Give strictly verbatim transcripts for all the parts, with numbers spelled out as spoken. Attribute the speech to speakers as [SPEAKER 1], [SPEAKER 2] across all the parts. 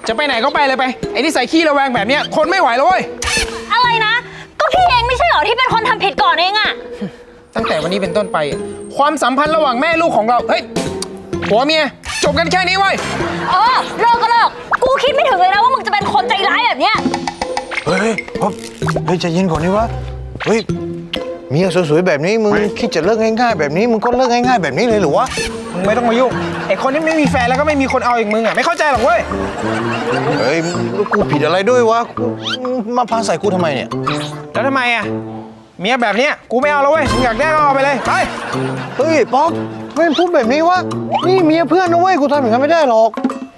[SPEAKER 1] จะไปไหนก็ไปเลยไปไอ้ที่ใส่ขี้ระแวงแบบเนี้ยทนไม่ไหวแล้วเว้ย
[SPEAKER 2] อะไรนะก็พี่เองไม่ใช่เหรอที่เป็นคนทำผิดก่อนเองอะ
[SPEAKER 1] ตั้งแต่วันนี้เป็นต้นไปความสัมพันธ์ระหว่างแม่ลูกของเราเฮ้ยผัวเมียจบกันแค่นี้เว้ย
[SPEAKER 2] เออเลิกก็เลิกกูคิดไม่ถึงเลยนะว่ามึงจะเป็นคนใจร้ายแบบเนี้ย
[SPEAKER 3] เฮ้ยป๊อปเฮ้ยใจเย็นก่อนนี่วะเฮ้ยเมียสวยๆแบบนี้มึงคิดจะเลิกง่ายๆแบบนี้มึงก็เลิกง่ายๆแบบนี้เลยหรือวะ
[SPEAKER 1] มึงไม่ต้องมายุ่งไอ้คนที่ไม่มีแฟนแล้วก็ไม่มีคนเอาอย่างมึงอ่ะไม่เข้าใจหรอกเว้ย
[SPEAKER 3] เฮ้ยกูผิดอะไรด้วยวะมาพาใส่กูทำไมเนี่ย
[SPEAKER 1] แล้วทำไมอ่ะเมียแบบเนี้ยกูไม่เอาแล้วเว้ยมึงอยากได้ก็เอาไปเลยไป
[SPEAKER 3] เฮ้ยป๊อปไม่พูดแบบนี้วะนี่เมียเพื่อนนะเว้ยกูทำอย่างนั้นไม่ได้หรอก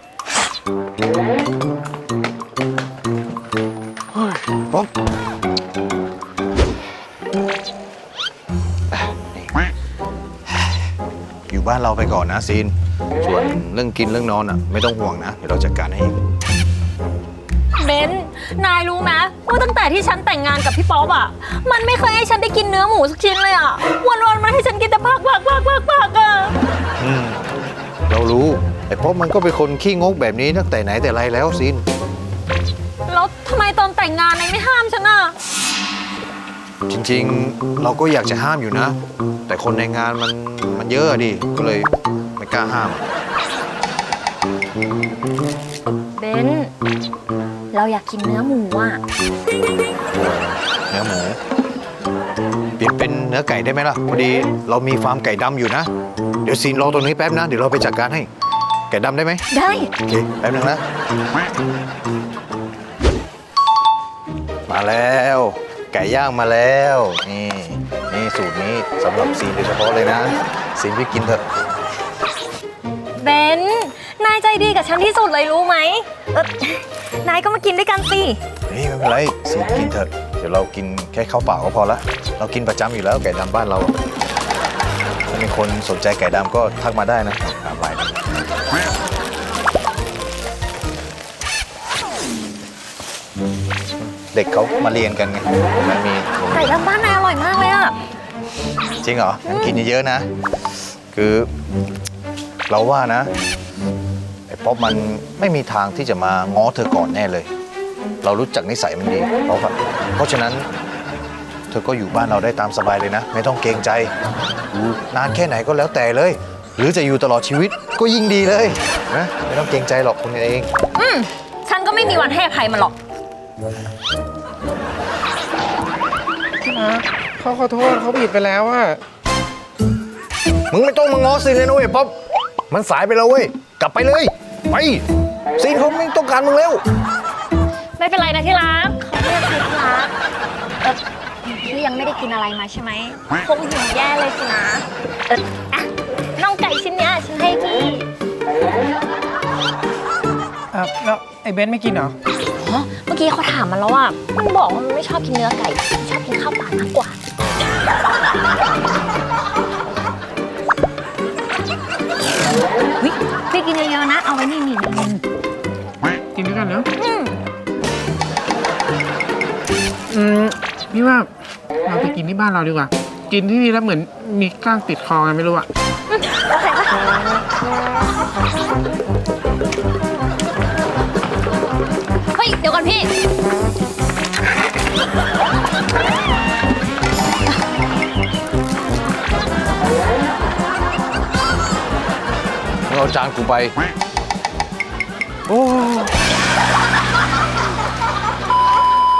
[SPEAKER 3] ป๊อปอยู่บ้านเราไปก่อนนะซีนส่วนเรื่องกินเรื่องนอนอ่ะไม่ต้องห่วงนะเดี๋ยวเราจัดการให้เอง
[SPEAKER 2] เบนนายรู้ไหมว่าตั้งแต่ที่ฉันแต่งงานกับพี่ป๊อปอ่ะมันไม่เคยให้ฉันได้กินเนื้อหมูสักชิ้นเลยอ่ะวันๆมันให้ฉันกินแต่ผักผักผักผักผักอ่ะ
[SPEAKER 3] อืมเรารู้ไอ้ป๊อปมันก็เป็นคนขี้งกแบบนี้ตั้งแต่ไหนแต่ไรแล้วซีน
[SPEAKER 2] แล้วทำไมตอนแต่งงานนายไม่ห้ามฉันอ่ะ
[SPEAKER 3] จริงๆเราก็อยากจะห้ามอยู่นะแต่คนในงานมันมันเยอะดิก็เลยไม่กล้าห้าม
[SPEAKER 2] เบนเราอยากกินเนื้อหมูอ่ะ
[SPEAKER 3] เนื้อหมูเปลี่ยนเป็นเนื้อไก่ได้ไหมล่ะพอดีเรามีฟาร์มไก่ดำอยู่นะเดี๋ยวซีนรอตรงนี้แป๊บนะเดี๋ยวเราไปจัดการให้ไก่ดำได้ไหม
[SPEAKER 2] ได้
[SPEAKER 3] โอเคแป๊บนึงนะมาแล้วไก่ย่างมาแล้วนี่นี่สูตรนี้สำหรับซีนโดยเฉพาะเลยนะซีนพี่กินเถอะ
[SPEAKER 2] เบนนายใจดีกับฉันที่สุดเลยรู้ไหมเออนายก็มากินด้วยกันสิ
[SPEAKER 3] เฮ้ยไม่เป็นไรซีนกินเถอะเดี๋ยวเรากินแค่ข้าวเปล่าก็พอละเรากินประจำอยู่แล้วไก่ดำบ้านเราถ้ามีคนสนใจไก่ดำก็ทักมาได้นะตามไลน์เด็กเขามาเรียนกันไงมันมี
[SPEAKER 2] ไก่ดำบ้านนายอร่อยมากเลยอะ
[SPEAKER 3] จริงเหรองั้นกินเยอะๆนะคือเราว่านะไอ้ป๊อปมันไม่มีทางที่จะมาง้อเธอก่อนแน่เลยเรารู้จักนิสัยมันดีเพราะเพราะฉะนั้นเธอก็อยู่บ้านเราได้ตามสบายเลยนะไม่ต้องเกรงใจอยู่นานแค่ไหนก็แล้วแต่เลยหรือจะอยู่ตลอดชีวิตก็ยิ่งดีเลยนะไม่ต้องเกรงใจหรอกคนเอง
[SPEAKER 2] อืมฉันก็ไม่มีวันให้อภัยมันหรอก
[SPEAKER 1] นะเขาขอโทษเขาผิดไปแล้วอะ
[SPEAKER 3] มึงไม่ต้องมาง้อซีนเลยนะเว้ยป๊อปมันสายไปแล้วเว้ยกลับไปเลยไปซีนเขาไม่ต้องการมึงแล้ว
[SPEAKER 2] ไม่เป็นไรนะที่รักเขาเรียกคือที่รักเออพี่ยังไม่ได้กินอะไรมาใช่ไหมคงหิวแย่เลยสินะเอออะน่องไก่ชิ้นเนี้ยฉันให้พี่
[SPEAKER 1] อ่ะแล้วไอ้เบนไม่กินเหรอ
[SPEAKER 2] ฮะเมื่อกี้เขาถามมันแล้วอ่ะมันบอกว่ามันไม่ชอบกินเนื้อไก่ชอบกินข้าวเปล่ามากกว่าวิพี่กินเยอะๆนะเอาไว้นี่นี่
[SPEAKER 1] กินด้วยกันเนาะอืมพี่ว่าเราไปกินที่บ้านเราดีกว่ากินที่นี่แล้วเหมือนมีก้างติดคอไงไม่รู้อะ
[SPEAKER 2] โอเคปะเฮ้ยเดี๋ยวก่อนพี่
[SPEAKER 3] เอาจานกูไป